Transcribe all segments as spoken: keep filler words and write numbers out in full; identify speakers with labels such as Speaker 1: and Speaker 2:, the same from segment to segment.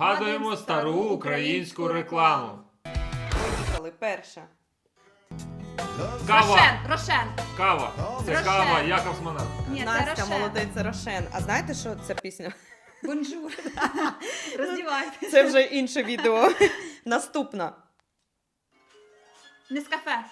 Speaker 1: Нагадуємо стару українську рекламу.
Speaker 2: Поїхали, перша.
Speaker 1: Кава.
Speaker 3: Рошен, Рошен.
Speaker 1: Кава. Це
Speaker 3: Рошен.
Speaker 1: кава Якобсмана.
Speaker 3: Ні, це
Speaker 2: Настя,
Speaker 3: Рошен.
Speaker 2: молодець, це Рошен. А знаєте, що ця пісня?
Speaker 3: Бонжур. Роздівайтесь.
Speaker 2: Це вже інше відео. Наступна.
Speaker 3: Нескафе.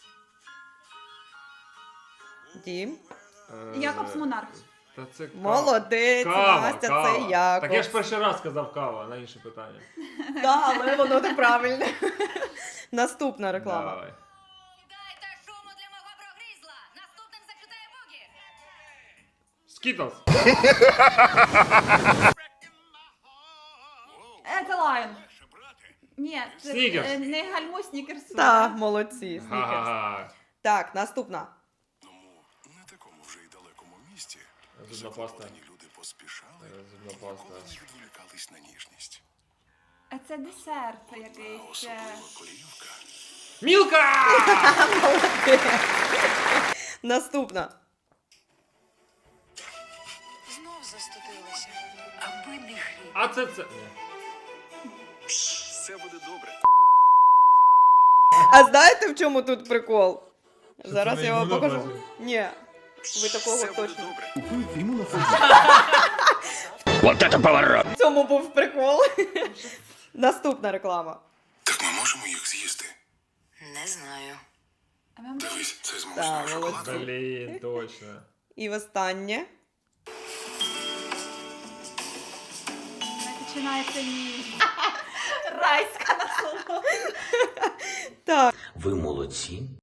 Speaker 2: Дім.
Speaker 1: Е,
Speaker 3: Якобс Монарх.
Speaker 1: Та це кава.
Speaker 2: Молодець,
Speaker 1: Кава,
Speaker 2: Настя,
Speaker 1: кава.
Speaker 2: це Якобс.
Speaker 1: Так я ж перший раз сказав кава, на інше питання.
Speaker 2: Да, але воно неправильне. Наступна реклама.
Speaker 1: Давай.
Speaker 4: Дайте шуму для мого прогризла! Наступним закидає бугі!
Speaker 1: Скітлс.
Speaker 3: Е, це Лайон. Ні, це
Speaker 1: Снікерс.
Speaker 3: е, не гальмуй снікерсу.
Speaker 2: Так, молодці, снікерс.
Speaker 1: Га-га-га.
Speaker 2: Так, наступна.
Speaker 5: Не такому вже й далекому місті
Speaker 1: Зубна паста.
Speaker 5: закохані люди поспішали,
Speaker 1: Е, Зубна
Speaker 5: ніколи
Speaker 1: паста.
Speaker 5: не відволікались на ніжність.
Speaker 3: Е, Це десерт
Speaker 5: А
Speaker 3: якийсь. е,
Speaker 5: особливо корівка.
Speaker 1: Мілка!
Speaker 2: Наступна.
Speaker 4: Знов застудилася. Аби не хліб.
Speaker 1: А це це. Ні.
Speaker 5: Все буде добре.
Speaker 2: А знаєте, в чому тут прикол?
Speaker 1: Що
Speaker 2: Зараз
Speaker 1: це
Speaker 2: я вам
Speaker 1: на
Speaker 2: покажу.
Speaker 1: імунофазі?
Speaker 2: Ні, ви такого
Speaker 5: Все буде
Speaker 2: точно.
Speaker 5: добре.
Speaker 2: В цьому був прикол. Наступна реклама.
Speaker 5: Так ми можемо їх з'їсти.
Speaker 4: Не знаю.
Speaker 3: а ми-
Speaker 5: Дивись, це з
Speaker 2: Так,
Speaker 5: молочною
Speaker 2: молодці.
Speaker 5: шоколадкою.
Speaker 1: Блін, точно.
Speaker 2: І останнє.
Speaker 3: Починається ніж. Райська насолода.
Speaker 2: Так.
Speaker 6: Ви молодці.